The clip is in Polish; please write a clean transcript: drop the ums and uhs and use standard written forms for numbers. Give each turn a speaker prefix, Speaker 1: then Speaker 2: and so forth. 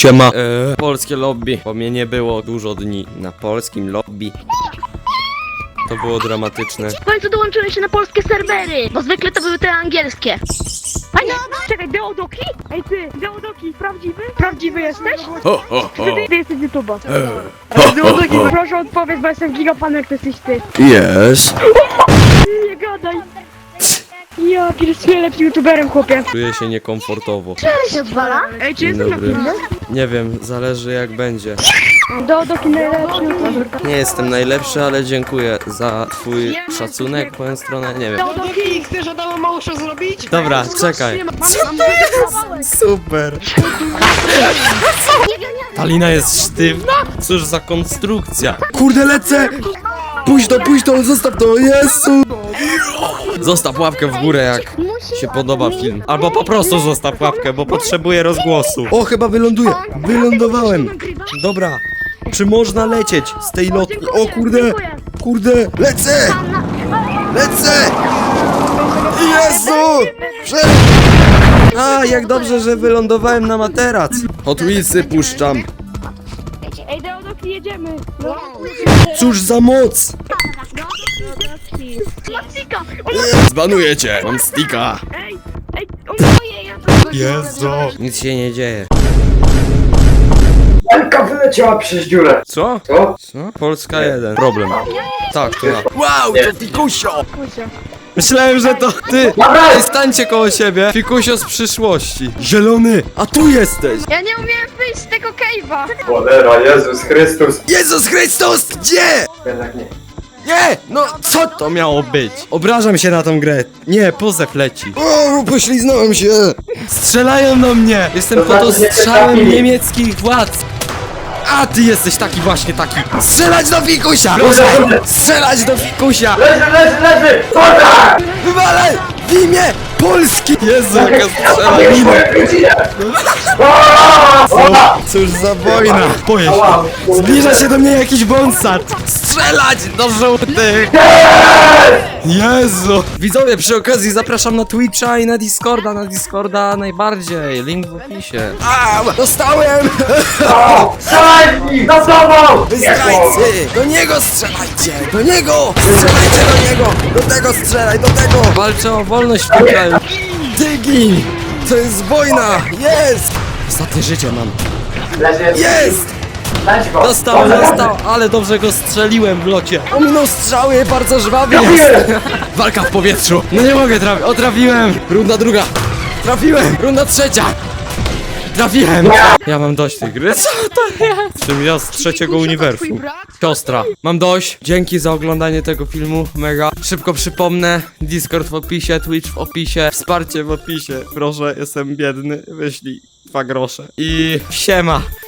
Speaker 1: Siema. Polskie lobby, bo mnie nie było dużo dni na polskim lobby. To było dramatyczne.
Speaker 2: W końcu dołączyłem się na polskie serwery, bo zwykle to były te angielskie. Panie, czekaj, Deodoki? Ej ty, Deodoki, prawdziwy? Prawdziwy jesteś?
Speaker 1: Ho, ho, ho.
Speaker 2: Ty jesteś YouTuber. Deodoki, proszę odpowiedz, bo jestem gigapanek, to jesteś ty.
Speaker 1: Yes.
Speaker 2: Nie gadaj. Ja pierwszy lepszym YouTuberem, chłopie.
Speaker 1: Czuję się niekomfortowo.
Speaker 2: Czy się odwala? Ej, czy jestem na
Speaker 1: Dobry.
Speaker 2: filmie?
Speaker 1: Nie wiem, zależy jak będzie.
Speaker 2: Deodoki najlepszy YouTuber.
Speaker 1: Nie jestem najlepszy, ale dziękuję za twój szacunek w moją stronę. Nie wiem.
Speaker 2: Deodoki,
Speaker 3: Chcesz Adama Małysza zrobić?
Speaker 1: Dobra, czekaj.
Speaker 2: Co to jest?
Speaker 1: Super. Ta lina jest sztywna? Cóż za konstrukcja. Kurde, lecę! Puść to, zostaw to, Jezu! Zostaw łapkę w górę, jak się podoba film. Albo po prostu zostaw łapkę, bo potrzebuję rozgłosu. O, chyba wyląduję. Wylądowałem. Dobra. Czy można lecieć z tej lotni? O kurde! Kurde! Lecę! Lecę! Jezu! A, jak dobrze, że wylądowałem na materac. Hot Wheelsy puszczam.
Speaker 2: Ej, Deodoki, jedziemy.
Speaker 1: Cóż za moc!
Speaker 2: Matsika!
Speaker 1: Zbanuję cię! Mam sticka!
Speaker 2: Ej, oboje, ja to...
Speaker 1: Jezu! Nic się nie dzieje.
Speaker 4: Elka wyleciała przez dziurę.
Speaker 1: Co?
Speaker 4: Co?
Speaker 1: Co? Polska 1. Problem. Tak, to ja. Wow, to Fikusio! Myślałem, że to ty! Ej, stańcie koło siebie! Fikusio z przyszłości. Zielony! A tu jesteś!
Speaker 2: Ja nie umiałem wyjść z tego cave'a.
Speaker 4: Cholera, Jezus Chrystus.
Speaker 1: Jezus Chrystus! Gdzie?
Speaker 4: Jednak nie.
Speaker 1: Nie! No co to miało być? Obrażam się na tą grę. Nie, pozew leci. O, pośliznąłem się! Strzelają do mnie! Jestem
Speaker 4: To
Speaker 1: pod
Speaker 4: znaczy, nie
Speaker 1: ostrzałem
Speaker 4: trafili.
Speaker 1: niemieckich władz! A ty jesteś taki właśnie taki! Strzelać do Fikusia!
Speaker 4: Dobrze.
Speaker 1: Strzelać do Fikusia!
Speaker 4: Leży! Dobra!
Speaker 1: Wywalaj! W imię Polski! Jezu, jaka strzela!
Speaker 4: Zabierz moje godzinę!
Speaker 1: Cóż za wojna! Boję się! Zbliża się do mnie jakiś bonsat! Strzelać do żółtych! Jezu! Widzowie, przy okazji zapraszam na Twitcha i na Discorda najbardziej. Link w opisie. A, dostałem!
Speaker 4: Strzelaj w nich! Za tobą!
Speaker 1: Wy zdrajcy! Do niego strzelajcie! Do niego! Strzelajcie do niego! Do tego strzelaj, do tego! Walczę o wolność w tym kraju. Tygi! To jest wojna! Jest! Ostatnie życie mam.
Speaker 4: Leży!
Speaker 1: Jest!
Speaker 4: Dać go!
Speaker 1: Dostał, ale dobrze go strzeliłem w locie. Ominął strzały, bardzo żwawy jest.
Speaker 4: Trafiłem!
Speaker 1: Walka w powietrzu. No nie mogę trafić. O, trafiłem. Runda druga. Trafiłem. Runda trzecia. Trafiłem. Ja mam dość tej gry. Co to jest? Czym ja z trzeciego uniwersum. Siostra. Mam dość. Dzięki za oglądanie tego filmu. Mega. Szybko przypomnę. Discord w opisie, Twitch w opisie, wsparcie w opisie. Proszę, jestem biedny. Wyślij 2 grosze. I siema.